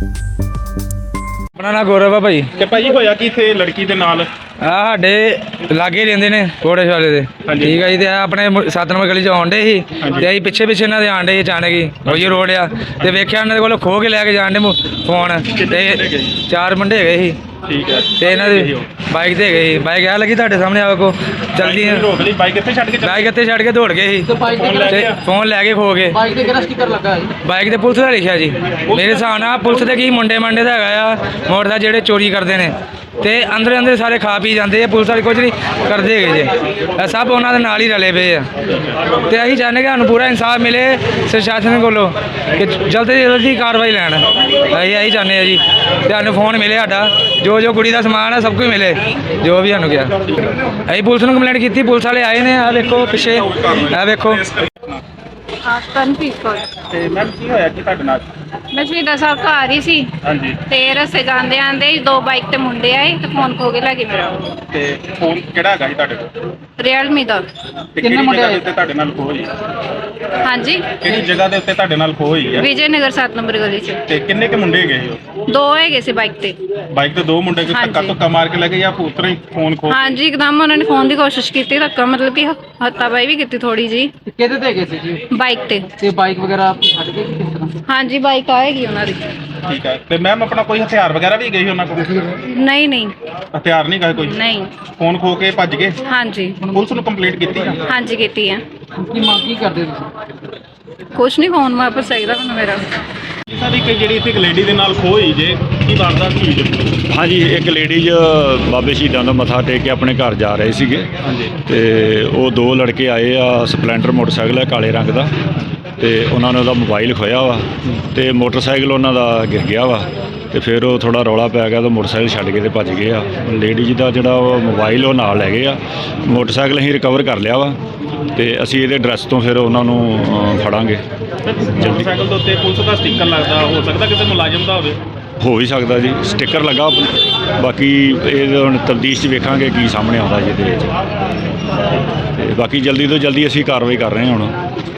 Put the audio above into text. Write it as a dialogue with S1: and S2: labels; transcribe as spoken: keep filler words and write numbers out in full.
S1: अपना ना गौरव है भाई।
S2: ਤੇ ਭਾਜੀ ਹੋਇਆ ਕੀ ਇੱਥੇ ਲੜਕੀ ਦੇ ਨਾਲ?
S1: ਆ ਸਾਡੇ ਲਾਗੇ ਰਹਿੰਦੇ ਨੇ ਕੋੜੇ ਵਾਲੇ ਦੇ। ਠੀਕ ਹੈ ਜੀ। ਤੇ ਆਪਣੇ ਸੱਤ ਨੰਬਰ ਗਲੀ ਚ ਆਉਣ ਡੇ ਸੀ ਤੇ ਅਸੀਂ ਪਿੱਛੇ ਪਿੱਛੇ ਇਹਨਾਂ ਦੇ ਆਣ ਡੇ ਅਚਾਨਕ ਹੀ ਉਹੀ ਰੋਡ ਆ ਤੇ ਵੇਖਿਆ ਇਹਨਾਂ ਦੇ ਕੋਲ ਖੋ ਕੇ ਲੈ ਕੇ ਜਾਣ ਡੇ ਫੋਨ ਤੇ ਚਾਰ ਮੁੰਡੇ ਹੈਗੇ ਸੀ।
S2: ਠੀਕ ਹੈ।
S1: ਤੇ ਇਹਨਾਂ ਦੇ ਬਾਈਕ ਤੇ ਗਏ ਬਾਈਕ ਆ ਲੱਗੀ ਤੁਹਾਡੇ ਸਾਹਮਣੇ ਆਵੇ ਕੋ ਚਲਦੀ
S2: ਰੋਕ ਲਈ ਬਾਈਕ ਇੱਥੇ ਛੱਡ ਕੇ ਚੱਲ
S1: ਬਾਈਕ ਇੱਥੇ ਛੱਡ ਕੇ ਦੌੜ ਗਏ ਸੀ ਤੇ ਫੋਨ ਲੈ ਕੇ ਖੋ ਗਏ।
S3: ਬਾਈਕ ਤੇ ਕਿਹੜਾ ਸਟicker ਲੱਗਾ ਹੈ?
S1: ਬਾਈਕ ਤੇ ਪੁਲਿਸ ਦਾ ਲਿਖਿਆ ਜੀ। ਮੇਰੇ ਹਿਸਾਬ ਨਾਲ ਪੁਲਿਸ ਦੇ ਕੀ ਮੁੰਡੇ ਮੰਡੇ ਦਾ ਹੈਗਾ ਆ ਮੋਟਰਸਾਈਕਲ ਜਿਹੜੇ ਚੋਰੀ ਕਰਦੇ ਨੇ ਤੇ ਅੰਦਰ ਅੰਦਰ ਸਾਰੇ ਖਾ ਪੀ ਜਾਂਦੇ ਆ। ਪੁਲਿਸ ਵਾਲੇ ਕੁਝ ਨਹੀਂ ਕਰਦੇ ਹੈਗੇ ਜੇ ਇਹ ਸਭ ਉਹਨਾਂ ਦੇ ਨਾਲ ਹੀ ਰਲੇ ਪਏ ਆ ਤੇ ਅਸੀਂ ਚਾਹੁੰਦੇ ਕਿ ਸਾਨੂੰ ਪੂਰਾ ਇਨਸਾਫ ਮਿਲੇ ਪ੍ਰਸ਼ਾਸਨ ਕੋਲੋਂ ਕਿ ਜਲਦੀ ਤੋਂ ਜਲਦੀ ਕਾਰਵਾਈ ਲੈਣ। ਅਸੀਂ ਇਹੀ ਚਾਹੁੰਦੇ ਆ ਜੀ। ਤੇ ਸਾਨੂੰ ਫੋਨ ਮਿਲੇ ਸਾਡਾ ਜੋ ਜੋ ਕੁੜੀ ਦਾ ਸਮਾਨ ਹੈ ਸਭ ਕੁਝ ਮਿਲੇ ਜੋ ਵੀ ਸਾਨੂੰ ਕਿਹਾ। ਅਸੀਂ ਪੁਲਿਸ ਨੂੰ ਕੰਪਲੇਂਟ ਕੀਤੀ ਪੁਲਿਸ ਵਾਲੇ ਆਏ ਨੇ। ਆ ਵੇਖੋ ਪਿੱਛੇ ਆ ਵੇਖੋ।
S4: ਹਾਂ ਕਨਫੀਸ ਕੋਲ
S2: ਤੇ ਮੈਮ ਕੀ ਹੋਇਆ ਕੀ ਤੁਹਾਡੇ ਨਾਲ?
S4: ਮੈਂ ਸ਼ਹੀਦਾਂ ਸਾਹਿਬ ਘਰ ਹੀ ਸੀ
S2: ਹਾਂਜੀ।
S4: ਤੇ ਰਸਤੇ ਜਾਂਦੇ ਆਂਦੇ ਦੋ ਬਾਈਕ ਤੇ ਮੁੰਡੇ ਆਏ ਤੇ ਫੋਨ ਖੋ ਕੇ ਲੈ ਗਏ ਮੇਰਾ।
S2: ਤੇ ਫੋਨ ਕਿਹੜਾ ਹੈਗਾ ਸੀ ਤੁਹਾਡੇ ਕੋਲ?
S4: ਰੀਅਲਮੀ ਦਾ।
S2: ਤੇ ਕਿੰਨੇ ਮੁੰਡੇ ਆਏ ਉੱਤੇ ਤੁਹਾਡੇ ਨਾਲ ਖੋ ਹੋਈ?
S4: ਹਾਂਜੀ।
S2: ਕਿਹੜੀ ਜਗ੍ਹਾ ਦੇ ਉੱਤੇ ਤੁਹਾਡੇ ਨਾਲ ਖੋ ਹੋਈ ਹੈ?
S4: ਵਿਜੇ ਨਗਰ ਸੱਤ ਨੰਬਰ ਗਲੀ 'ਚ।
S2: ਤੇ ਕਿੰਨੇ ਕੇ ਮੁੰਡੇ ਹੈਗੇ ਸੀ ਉਹ?
S4: ਦੋ ਹੈਗੇ ਸੀ ਬਾਈਕ ਤੇ।
S2: ਬਾਈਕ ਤੇ ਦੋ ਮੁੰਡੇ ਕੋਈ ਧੱਕਾ ਧੁੱਕਾ ਮਾਰ ਕੇ ਲੈ ਗਏ ਜਾਂ ਉਤਰਾ ਹੀ ਫੋਨ ਖੋ?
S4: ਹਾਂਜੀ ਇੱਕਦਮ ਉਹਨਾਂ ਨੇ ਫੋਨ ਦੀ ਕੋਸ਼ਿਸ਼ ਕੀਤੀ ਧੱਕਾ ਮਤਲਬ ਕਿ ਹੱਤਾਬਾਈ ਵੀ ਕੀਤੀ ਥੋੜੀ ਜੀ।
S3: ਕਿਹਦੇ ਤੇ ਗਏ ਸੀ ਜੀ?
S4: ਬਾਈਕ ਤੇ।
S3: ਤੇ ਬਾਈਕ ਵਗੈਰਾ ਛੱਡ ਕੇ ਕਿਸ ਤਰ੍ਹਾਂ?
S4: ਹਾਂਜੀ ਬਾਈਕ ਆਏਗੀ ਉਹਨਾਂ ਦੀ।
S2: ਠੀਕ ਹੈ। ਤੇ ਮੈਮ ਆਪਣਾ ਕੋਈ ਹਥਿਆਰ ਵਗੈਰਾ ਵੀ ਗਏ ਸੀ ਉਹਨਾਂ ਕੋਲ?
S4: ਨਹੀਂ ਨਹੀਂ
S2: ਹਥਿਆਰ ਨਹੀਂ ਗਏ ਕੋਈ?
S4: ਨਹੀਂ।
S2: ਫੋਨ ਖੋ ਕੇ ਭੱਜ ਗਏ?
S4: ਹਾਂਜੀ
S2: ਪੁਲਿਸ ਨੂੰ ਕੰਪਲੇਂਟ ਕੀਤੀ ਆ?
S4: ਹਾਂਜੀ ਕੀਤੀ ਹੈ।
S3: ਕੀ ਮੰਗ ਕੀ ਕਰਦੇ ਤੁਸੀਂ?
S4: ਕੁਛ ਨਹੀਂ ਫੋਨ ਵਾਪਸ ਚਾਹੀਦਾ ਮੈਨੂੰ ਮੇਰਾ।
S2: ਸਾਡੀ ਇੱਕ ਜਿਹੜੀ ਇੱਥੇ ਇੱਕ ਲੇਡੀ ਦੇ ਨਾਲ ਖੋ ਹੋਈ ਜੇ ਕੀ ਵਾਰਦਾਤ ਹੋਈ ਜੇ?
S5: ਹਾਂਜੀ ਇੱਕ ਲੇਡੀਜ਼ ਬਾਬੇ ਸ਼ਹੀਦਾਂ ਦਾ ਮੱਥਾ ਟੇਕ ਕੇ ਆਪਣੇ ਘਰ ਜਾ ਰਹੇ ਸੀਗੇ।
S2: ਹਾਂਜੀ।
S5: ਤੇ ਉਹ ਦੋ ਲੜਕੇ ਆਏ ਆ ਸਪਲੈਂਡਰ ਮੋਟਰਸਾਈਕਲ ਹੈ ਕਾਲੇ ਰੰਗ ਦਾ ਤੇ ਉਹਨਾਂ ਨੇ ਉਹਦਾ ਮੋਬਾਈਲ ਖੋਇਆ ਵਾ ਤੇ ਮੋਟਰਸਾਈਕਲ ਉਹਨਾਂ ਦਾ ਗਿਰ ਗਿਆ ਵਾ ਤੇ ਫਿਰ ਉਹ ਥੋੜਾ ਰੌਲਾ ਪੈ ਗਿਆ ਤਾਂ ਮੋਟਰਸਾਈਕਲ ਛੱਡ ਕੇ ਤੇ ਭੱਜ ਗਏ ਆ। ਲੇਡੀਜ਼ ਦਾ ਜਿਹੜਾ ਉਹ ਮੋਬਾਈਲ ਉਹ ਨਾਲ ਲੈ ਗਏ ਆ। ਮੋਟਰਸਾਈਕਲ ਅਸੀਂ ਰਿਕਵਰ ਕਰ ਲਿਆ ਵਾ ਤੇ ਅਸੀਂ ਇਹਦੇ ਐਡਰੈਸ ਤੋਂ ਫਿਰ ਉਹਨਾਂ ਨੂੰ ਅ, ਫੜਾਂਗੇ ਜਲਦੀ।
S2: ਮੋਟਰਸਾਈਕਲ ਦੇ ਉੱਤੇ ਪੁਲਿਸ ਦਾ ਸਟicker ਲੱਗਦਾ ਹੋ ਸਕਦਾ ਕਿਸੇ ਮੁਲਾਜ਼ਮ ਦਾ ਹੋਵੇ?
S5: ਹੋ ਵੀ ਸਕਦਾ ਜੀ ਸਟicker ਲੱਗਾ। ਬਾਕੀ ਇਹ ਹੁਣ ਤਬਦੀਸ਼ 'ਚ ਵੇਖਾਂਗੇ ਕੀ ਸਾਹਮਣੇ ਆਉਂਦਾ ਜੀ ਇਹਦੇ ਵਿੱਚ ਤੇ ਬਾਕੀ ਜਲਦੀ ਤੋਂ ਜਲਦੀ ਅਸੀਂ ਕਾਰਵਾਈ ਕਰ ਰਹੇ ਹਾਂ ਹੁਣ।